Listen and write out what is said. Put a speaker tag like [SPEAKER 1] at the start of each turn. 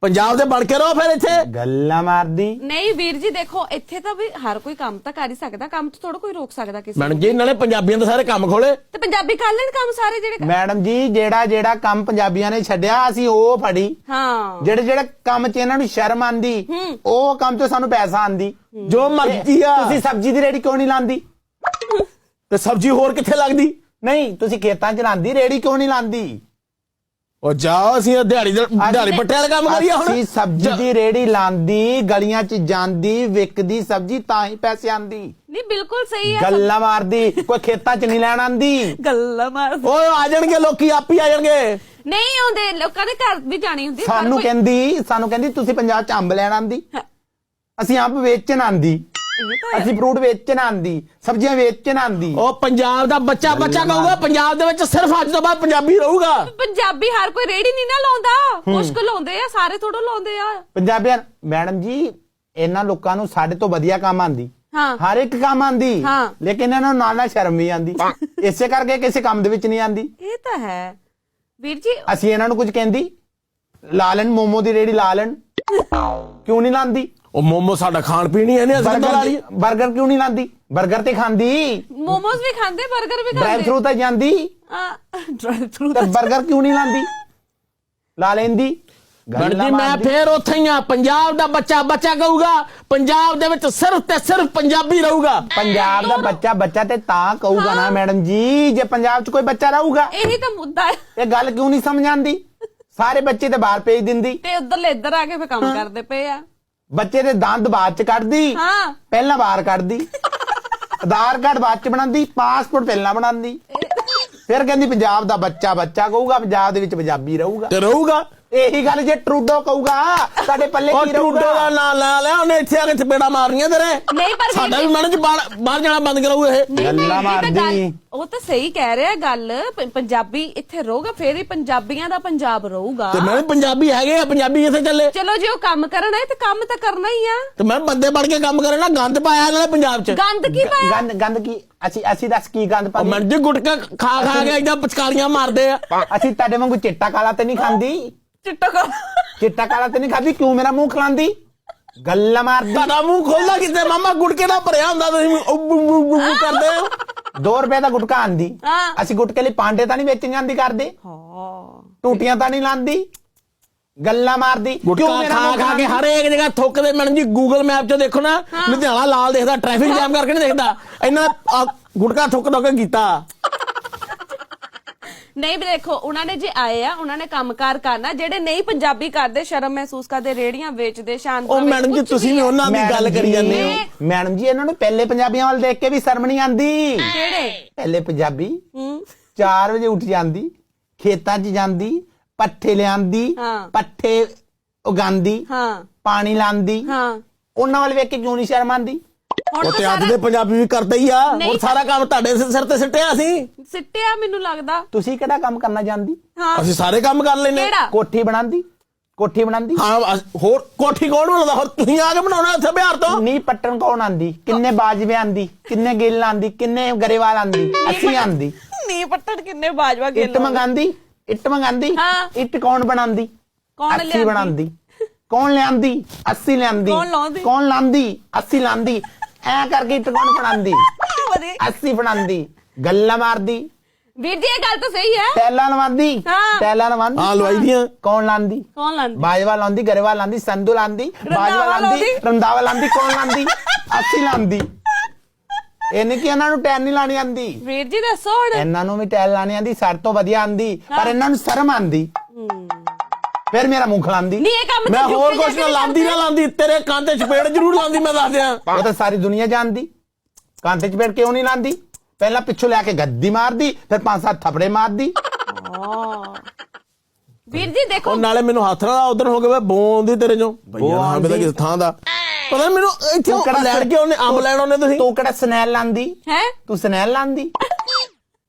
[SPEAKER 1] ਪੰਜਾਬ ਦੇ ਬਣ ਕੇ ਰਹੋ ਫਿਰ ਇੱਥੇ
[SPEAKER 2] ਗੱਲਾਂ ਮਾਰਦੀ
[SPEAKER 3] ਨਹੀਂ ਵੀਰ ਜੀ ਦੇਖੋ ਇੱਥੇ ਤਾਂ ਵੀ ਹਰ ਕੋਈ ਕੰਮ ਤਾਂ ਕਰ ਹੀ ਸਕਦਾ, ਕੰਮ ਤੋਂ ਥੋੜਾ ਕੋਈ ਰੋਕ ਸਕਦਾ ਕਿਸੇ
[SPEAKER 1] ਮੈਡਮ ਜੀ ਨਾਲੇ ਪੰਜਾਬੀਆਂ ਦੇ ਸਾਰੇ ਕੰਮ ਖੋਲੇ
[SPEAKER 3] ਤੇ ਪੰਜਾਬੀ ਕਰ ਲੈਣ ਕੰਮ ਸਾਰੇ ਜਿਹੜੇ
[SPEAKER 2] ਮੈਡਮ ਜੀ ਜਿਹੜਾ ਕੰਮ ਪੰਜਾਬੀਆਂ ਨੇ ਛੱਡਿਆ ਅਸੀਂ ਉਹ ਫੜੀ।
[SPEAKER 3] ਹਾਂ
[SPEAKER 2] ਜਿਹੜੇ ਕੰਮ 'ਚ ਇਹਨਾਂ ਨੂੰ ਸ਼ਰਮ ਆਂਦੀ ਉਹ ਕੰਮ 'ਚ ਸਾਨੂੰ ਪੈਸਾ ਆਂਦੀ।
[SPEAKER 1] ਜੋ ਮਰਜ਼ੀ ਆ
[SPEAKER 2] ਤੁਸੀਂ ਸਬਜ਼ੀ ਦੀ ਰੇੜੀ ਕਿਉਂ ਨਹੀਂ ਲਾਂਦੀ?
[SPEAKER 1] ਤੇ ਸਬਜ਼ੀ ਹੋਰ ਕਿੱਥੇ ਲੱਗਦੀ?
[SPEAKER 2] ਨਹੀਂ ਤੁਸੀਂ ਖੇਤਾਂ 'ਚ ਲਾਂਦੀ, ਰੇੜੀ ਕਿਉਂ ਨਹੀਂ ਲਾਂਦੀ?
[SPEAKER 1] ਉਹ ਜਾਓ ਅਸੀਂ ਦਿਹਾੜੀ ਪੱਟੇ ਵਾਲਾ ਕੰਮ ਕਰੀਏ ਹੁਣ।
[SPEAKER 2] ਅਸੀਂ ਸਬਜ਼ੀ ਦੀ ਰੇੜੀ ਲਾਂਦੀ, ਗਲੀਆਂ 'ਚ ਜਾਂਦੀ, ਵਿਕਦੀ ਸਬਜ਼ੀ ਤਾਂ ਹੀ ਪੈਸੇ ਆਂਦੀ।
[SPEAKER 3] ਨਹੀਂ ਬਿਲਕੁਲ ਸਹੀ ਹੈ।
[SPEAKER 2] ਗੱਲਾਂ ਮਾਰਦੀ, ਕੋਈ ਖੇਤਾਂ 'ਚ ਨਹੀਂ ਲੈਣ ਆਂਦੀ।
[SPEAKER 3] ਗੱਲਾਂ ਮਾਰ
[SPEAKER 1] ਓਏ ਆ ਜਾਣਗੇ ਲੋਕੀ, ਆਪ ਹੀ ਆ ਜਾਣਗੇ।
[SPEAKER 3] ਨਹੀਂ ਆਉਂਦੇ, ਲੋਕਾਂ ਦੇ ਘਰ ਵੀ ਜਾਣੀ ਹੁੰਦੀ।
[SPEAKER 2] ਸਾਨੂੰ ਕਹਿੰਦੀ ਤੁਸੀਂ ਪੰਜਾਬ 'ਚ ਅੰਬ ਲੈਣ ਆਂਦੀ, ਅਸੀਂ ਅੰਬ ਵੇਚਣ ਆਂਦੀ, ਅਸੀਂ ਫਰੂਟ ਵੇਚਣ ਆਂਦੀ, ਸਬਜ਼ੀਆਂ ਵੇਚਣ ਆਂਦੀ।
[SPEAKER 1] ਉਹ ਪੰਜਾਬ ਦਾ ਬੱਚਾ ਕਹੂਗਾ ਪੰਜਾਬ ਦੇ ਵਿੱਚ ਸਿਰਫ ਅੱਜ ਤੋਂ ਬਾਅਦ ਪੰਜਾਬੀ ਰਹੂਗਾ।
[SPEAKER 3] ਪੰਜਾਬੀ ਹਰ ਕੋਈ ਰੇੜੀ ਨਹੀਂ ਨਾ ਲਾਉਂਦਾ, ਕੁਛ ਲਾਉਂਦੇ ਆ, ਸਾਰੇ ਥੋੜਾ ਲਾਉਂਦੇ ਆ
[SPEAKER 2] ਪੰਜਾਬੀਆਂ। ਮੈਡਮ ਜੀ ਇਹਨਾਂ ਲੋਕਾਂ ਨੂੰ ਸਾਡੇ ਤੋਂ ਵਧੀਆ ਕੰਮ ਆਂਦੀ, ਹਰ ਇੱਕ ਕੰਮ ਆਂਦੀ, ਲੇਕਿਨ ਇਹਨਾਂ ਨੂੰ ਨਾਲ ਸ਼ਰਮ ਵੀ ਆਂਦੀ, ਇਸੇ ਕਰਕੇ ਕਿਸੇ ਕੰਮ ਦੇ ਵਿੱਚ ਨਹੀਂ ਆਂਦੀ।
[SPEAKER 3] ਇਹ ਤਾਂ ਹੈ ਵੀਰ ਜੀ।
[SPEAKER 2] ਅਸੀਂ ਇਹਨਾਂ ਨੂੰ ਕੁਝ ਕਹਿੰਦੀ, ਲਾ ਲੈਣ ਮੋਮੋ ਦੀ ਰੇੜੀ ਲਾ ਲੈਣ, ਕਿਉਂ ਨਹੀਂ ਲਾਂਦੀ?
[SPEAKER 1] ਉਹ ਮੋਮੋ ਸਾਡਾ ਖਾਣ ਪੀਣ ਹੀ ਹੈ ਨਹੀਂ, ਅਸੀਂ
[SPEAKER 2] ਬਰਗਰ ਕਿਉਂ ਨਹੀਂ ਲਾਂਦੀ? ਬਰਗਰ ਤੇ ਖਾਂਦੀ,
[SPEAKER 3] ਮੋਮੋਸ ਵੀ ਖਾਂਦੇ, ਬਰਗਰ ਵੀ ਖਾਂਦੇ,
[SPEAKER 2] ਡਰਾਈਵ ਥਰੂ ਤਾਂ ਜਾਂਦੀ,
[SPEAKER 3] ਡਰਾਈਵ ਥਰੂ
[SPEAKER 2] ਤੇ ਬਰਗਰ ਕਿਉਂ ਨਹੀਂ ਲਾਂਦੀ? ਲਾ ਲੈਂਦੀ।
[SPEAKER 1] ਜੀ ਮੈਂ ਫੇਰ ਉੱਥੇ ਹੀ ਆ, ਪੰਜਾਬ ਦਾ ਬੱਚਾ ਕਹੂਗਾ ਪੰਜਾਬ ਦੇ ਵਿੱਚ ਸਿਰਫ ਤੇ ਸਿਰਫ ਪੰਜਾਬੀ ਰਹੂਗਾ।
[SPEAKER 2] ਪੰਜਾਬ ਦਾ ਬੱਚਾ ਤੇ ਤਾਂ ਕਹੂਗਾ ਨਾ ਮੈਡਮ ਜੀ, ਜੇ ਪੰਜਾਬ 'ਚ ਕੋਈ ਬੱਚਾ ਰਹੂਗਾ।
[SPEAKER 3] ਇਹੀ ਤਾਂ ਮੁੱਦਾ ਹੈ।
[SPEAKER 2] ਇਹ ਗੱਲ ਕਿਉਂ ਨਹੀਂ ਸਮਝ ਆਂਦੀ? ਸਾਰੇ ਬੱਚੇ ਤੇ ਬਾਹਰ ਭੇਜ ਦਿੰਦੀ
[SPEAKER 3] ਤੇ ਉਧਰਲੇ ਇੱਧਰ ਆ ਕੇ ਫੇ ਕੰਮ ਕਰਦੇ ਪਏ ਆ।
[SPEAKER 2] ਬੱਚੇ ਦੇ ਦੰਦ ਬਾਅਦ 'ਚ ਕੱਢਦੀ, ਪਹਿਲਾਂ ਬਾਹਰ ਕੱਢਦੀ, ਆਧਾਰ ਕਾਰਡ ਬਾਅਦ 'ਚ ਬਣਾਉਂਦੀ, ਪਾਸਪੋਰਟ ਪਹਿਲਾਂ ਬਣਾਉਂਦੀ, ਫਿਰ ਕਹਿੰਦੀ ਪੰਜਾਬ ਦਾ ਬੱਚਾ ਕਹੂਗਾ ਪੰਜਾਬ ਦੇ ਵਿੱਚ ਪੰਜਾਬੀ ਰਹੂਗਾ
[SPEAKER 1] ਤੇ ਰਹੂਗਾ।
[SPEAKER 2] ਇਹੀ ਗੱਲ ਜੇ ਟਰੂਡੋ ਕਹੂਗਾ ਸਾਡੇ ਪੱਲੇ ਕੀ ਰਹੂਗਾ?
[SPEAKER 1] ਟਰੂਡੋ ਦਾ ਨਾਂ ਲਾ ਲਿਆ ਉਹਨੇ, ਇੱਥੇ ਆ ਕੇ ਚਪੇੜਾ ਮਾਰਨੀਆਂ ਤੇਰੇ।
[SPEAKER 3] ਨਹੀਂ ਪਰ
[SPEAKER 1] ਸਾਡਾ ਵੀ ਮਨ ਚ ਬਾਹਰ ਜਾਣਾ ਬੰਦ ਕਰਾਊ ਇਹ।
[SPEAKER 2] ਗੱਲਾਂ ਮਾਰਦੀ।
[SPEAKER 3] ਉਹ ਤਾਂ ਸਹੀ ਕਹਿ ਰਿਹਾ ਗੱਲ, ਪੰਜਾਬੀ ਇੱਥੇ ਰਹੂਗਾ ਫੇਰ ਹੀ ਪੰਜਾਬੀਆਂ ਦਾ ਪੰਜਾਬ ਰਹੂਗਾ।
[SPEAKER 1] ਤੇ ਮੈਂ ਪੰਜਾਬੀ ਹੈਗੇ ਆ, ਪੰਜਾਬੀ ਇੱਥੇ ਚੱਲੇ।
[SPEAKER 3] ਚਲੋ ਜੇ ਉਹ ਕੰਮ ਕਰਨਾ ਹੈ ਤੇ ਕੰਮ ਤਾਂ ਕਰਨਾ ਹੀ ਆ।
[SPEAKER 1] ਤੇ ਮੈਂ ਬੰਦੇ ਬਣ ਕੇ ਕੰਮ ਕਰਨਾ, ਗੰਦ ਪਾਇਆ ਨਾਲੇ ਪੰਜਾਬ ਚ।
[SPEAKER 3] ਗੰਦ ਕੀ ਪਾਇਆ?
[SPEAKER 2] ਗੰਦ ਕੀ? ਅਸੀਂ ਦੱਸ ਕੀ ਗੰਦ ਪਾਇਆ?
[SPEAKER 1] ਮੈਂ ਜੀ ਗੁਟਕਾ ਖਾ ਕੇ ਏਦਾਂ ਪਚਕਾਰੀਆਂ ਮਾਰਦੇ ਆ।
[SPEAKER 2] ਅਸੀਂ ਤੁਹਾਡੇ ਵਾਂਗੂ ਚਿੱਟਾ ਕਾਲਾ ਤੇ ਨਹੀਂ ਖਾਂਦੀ। ਚਿੱਟਾ ਕਾਲਾ ਤੇ ਨਹੀਂ ਖਾਂਦੀ, ਕਿਉਂ ਮੇਰਾ ਮੂੰਹ ਖਲਾਂਦੀ? ਗੱਲਾਂ ਮਾਰਦੀ।
[SPEAKER 1] ਤੁਹਾਡਾ ਮੂੰਹ ਖੋਲਦਾ ਕਿਤੇ ਮਾਮਾ, ਗੁਟਕੇ ਨਾਲ ਭਰਿਆ ਹੁੰਦਾ, ਤੁਸੀਂ ਕਰਦੇ ਹੋ। 2
[SPEAKER 2] ਰੁਪਏ ਦਾ ਗੁਟਕਾ ਆਂਦੀ, ਅਸੀਂ ਗੁਟਕੇ ਲਈ ਪਾਂਡੇ ਤਾਂ ਨਹੀਂ ਵੇਚਣ ਜਾਂਦੀ ਕਰਦੇ, ਟੂਟੀਆਂ ਤਾਂ ਨਹੀਂ ਲਾਂਦੀ। ਗੱਲਾਂ ਮਾਰਦੀ।
[SPEAKER 1] ਗੁਟਕਾ ਖਾ ਕੇ ਹਰੇਕ ਜਗ੍ਹਾ ਥੁੱਕਦੇ। ਮੈਡਮ ਜੀ ਗੂਗਲ ਮੈਪ 'ਚ ਦੇਖੋ ਨਾ, ਲੁਧਿਆਣਾ ਲਾਲ ਦੇਖਦਾ, ਟ੍ਰੈਫਿਕ ਜਾਮ ਕਰਕੇ ਨਹੀਂ ਦੇਖਦਾ। ਇਹਨਾਂ ਗੁਟਕਾ ਥੁੱਕ ਕੀਤਾ।
[SPEAKER 3] ਨਹੀਂ ਵੀ ਦੇਖੋ ਉਹਨਾਂ ਨੇ ਜੇ ਆਏ ਆ, ਉਹਨਾਂ ਨੇ ਕੰਮਕਾਰ ਕਰਨਾ। ਜਿਹੜੇ ਨਹੀਂ ਪੰਜਾਬੀ ਕਰਦੇ, ਸ਼ਰਮ ਮਹਿਸੂਸ ਕਰਦੇ, ਰੇੜੀਆਂ ਵੇਚਦੇ, ਸ਼ਾਂਤ।
[SPEAKER 1] ਉਹ ਮੈਡਮ ਜੀ ਤੁਸੀਂ ਵੀ ਉਹਨਾਂ ਦੀ ਗੱਲ ਕਰੀ ਜਾਂਦੇ ਹੋ।
[SPEAKER 2] ਮੈਡਮ ਜੀ ਇਹਨਾਂ ਨੂੰ ਪਹਿਲੇ ਪੰਜਾਬੀਆਂ ਵੱਲ ਦੇਖ ਕੇ ਵੀ ਸ਼ਰਮ ਨਹੀਂ ਆਂਦੀ।
[SPEAKER 3] ਕਿਹੜੇ
[SPEAKER 2] ਪਹਿਲੇ ਪੰਜਾਬੀ 4 ਵਜੇ ਉੱਠ ਜਾਂਦੀ, ਖੇਤਾਂ 'ਚ ਜਾਂਦੀ, ਪੱਠੇ ਲਿਆਂਦੀ, ਪੱਠੇ ਉਗਾਂਦੀ, ਪਾਣੀ ਲਾਂਦੀ। ਉਹਨਾਂ ਵੱਲ ਵੇਖ ਕੇ ਕਿਉਂ ਨਹੀਂ ਸ਼ਰਮ ਆਂਦੀ?
[SPEAKER 1] ਉਹ ਤੇ ਅੱਜ ਦੇ ਪੰਜਾਬੀ ਵੀ ਕਰਦੇ ਹੀ ਆ। ਹੁਣ ਸਾਰਾ ਕੰਮ ਤੁਹਾਡੇ ਸਿਰ ਤੇ ਸਿੱਟਿਆ
[SPEAKER 3] ਸਿੱਟਿਆ ਮੈਨੂੰ ਲੱਗਦਾ।
[SPEAKER 2] ਤੁਸੀਂ ਕਿਹੜਾ ਕੰਮ ਕਰਨਾ ਜਾਂਦੀ?
[SPEAKER 1] ਅਸੀਂ ਸਾਰੇ ਕੰਮ ਕਰ ਲੈਨੇ।
[SPEAKER 2] ਕੋਠੀ ਬਣਾਉਂਦੀ
[SPEAKER 1] ਹਾਂ, ਹੋਰ ਕੋਠੀ ਕੌਣ ਬਣਾਉਂਦਾ? ਹੋਰ ਤੁਸੀਂ ਆ ਕੇ ਬਣਾਉਣਾ ਇੱਥੇ ਬਿਹਾਰ ਤੋਂ।
[SPEAKER 2] ਨੀ ਪੱਟਣ ਕੌਣ ਆਂਦੀ? ਕਿੰਨੇ ਬਾਜਵੇ ਆਂਦੀ, ਕਿੰਨੇ ਗਿੱਲ ਆਂਦੀ, ਕਿੰਨੇ ਗਰੇਵਾਲ ਆਂਦੀ? ਅਸੀਂ ਆਂਦੀ।
[SPEAKER 3] ਨੀ ਪੱਟਣ ਕਿੰਨੇ ਬਾਜਵਾ ਗਿੱਲ।
[SPEAKER 2] ਇੱਟ ਮੰਗਾਂਦੀ। ਇੱਟ ਕੌਣ ਬਣਾਉਂਦੀ? ਅਸੀਂ ਬਣਾਉਂਦੀ। ਕੌਣ ਲਿਆਂਦੀ? ਅਸੀਂ ਲਿਆਂਦੀ। ਕੌਣ ਲਾਂਦੀ? ਅਸੀਂ ਲਾਂਦੀ। ਐ ਕਰਕੇ ਇੱਟ ਕੌਣ ਬਣਾਉਂਦੀ? ਅਸੀਂ ਬਣਾਉਂਦੀ। ਗੱਲਾਂ ਮਾਰਦੀ।
[SPEAKER 3] ਵੀਰ ਜੀ ਇਹ ਗੱਲ ਤਾਂ ਸਹੀ ਹੈ।
[SPEAKER 2] ਟੈਲਾਂ ਲਵਾਂਦੀ।
[SPEAKER 1] ਹਾਂ ਲਵਾਈ ਦੀਆਂ।
[SPEAKER 2] ਕੌਣ ਲਾਂਦੀ? ਬਾਜਵਾ ਲਾਂਦੀ, ਗਰੇਵਾਲ ਲਾਂਦੀ, ਸੰਧੂ ਲਾਂਦੀ, ਬਾਜਵਾ ਲਾਂਦੀ, ਰੰਦਾਵਾ ਲਾਂਦੀ। ਕੌਣ ਲਾਂਦੀ? ਅਸੀਂ ਲਾਂਦੀ। ਇਹਨੇ ਕੀ ਇਹਨਾਂ ਨੂੰ ਟੈਲ ਨਹੀਂ ਲਾਣੀ ਆਂਦੀ?
[SPEAKER 3] ਵੀਰ ਜੀ ਦੱਸੋ ਹੁਣ।
[SPEAKER 2] ਇਹਨਾਂ ਨੂੰ ਵੀ ਟੈਲ ਲਾਣੀ ਆਂਦੀ, ਸਾਡੇ ਤੋਂ ਵਧੀਆ ਆਂਦੀ, ਪਰ ਇਹਨਾਂ ਨੂੰ ਸ਼ਰਮ ਆਂਦੀ। ਫਿਰ ਮੇਰਾ ਮੂੰਹ ਖਲਾਂਦੀ।
[SPEAKER 1] ਮੈਂ ਹੋਰ ਕੁਛ ਨਾ ਲਾਂਦੀ, ਤੇਰੇ ਕੰਨ ਤੇ ਚਪੇੜ ਜ਼ਰੂਰ ਲਾਂਦੀ। ਮੈਂ ਦੱਸ ਦਿਆਂ,
[SPEAKER 2] ਉਹ ਤਾਂ ਸਾਰੀ ਦੁਨੀਆ ਜਾਣਦੀ। ਕੰਨ ਤੇ ਚਪੇੜ ਕਿਉਂ ਨਹੀਂ ਲਾਂਦੀ? ਪਹਿਲਾਂ ਪਿੱਛੋਂ ਲਿਆ ਕੇ ਗੱਦੀ ਮਾਰਦੀ, ਫਿਰ 5-7 ਥੱਪੜੇ ਮਾਰਦੀ।
[SPEAKER 3] ਵੀਰ ਜੀ ਦੇਖੋ
[SPEAKER 1] ਨਾਲੇ ਮੈਨੂੰ ਹੱਥ ਨਾਲ ਉਧਰ ਹੋ ਗਿਆ ਬੋਂਦੀ ਤੇਰੇ ਚੋਂ ਬਈਆ ਕਿਸ ਥਾਂ ਦਾ ਪਤਾ ਮੈਨੂੰ। ਇੱਥੇ ਲੈਣ ਕੇ ਉਹਨੇ ਅੰਬ ਲੈਣ ਉਹਨੇ। ਤੁਸੀਂ
[SPEAKER 2] ਤੂੰ ਕਿਹੜਾ ਸਨੈਲ ਲਾਂਦੀ?
[SPEAKER 3] ਹੈ ਤੂੰ
[SPEAKER 2] ਸਨੈਲ ਲਾਂਦੀ?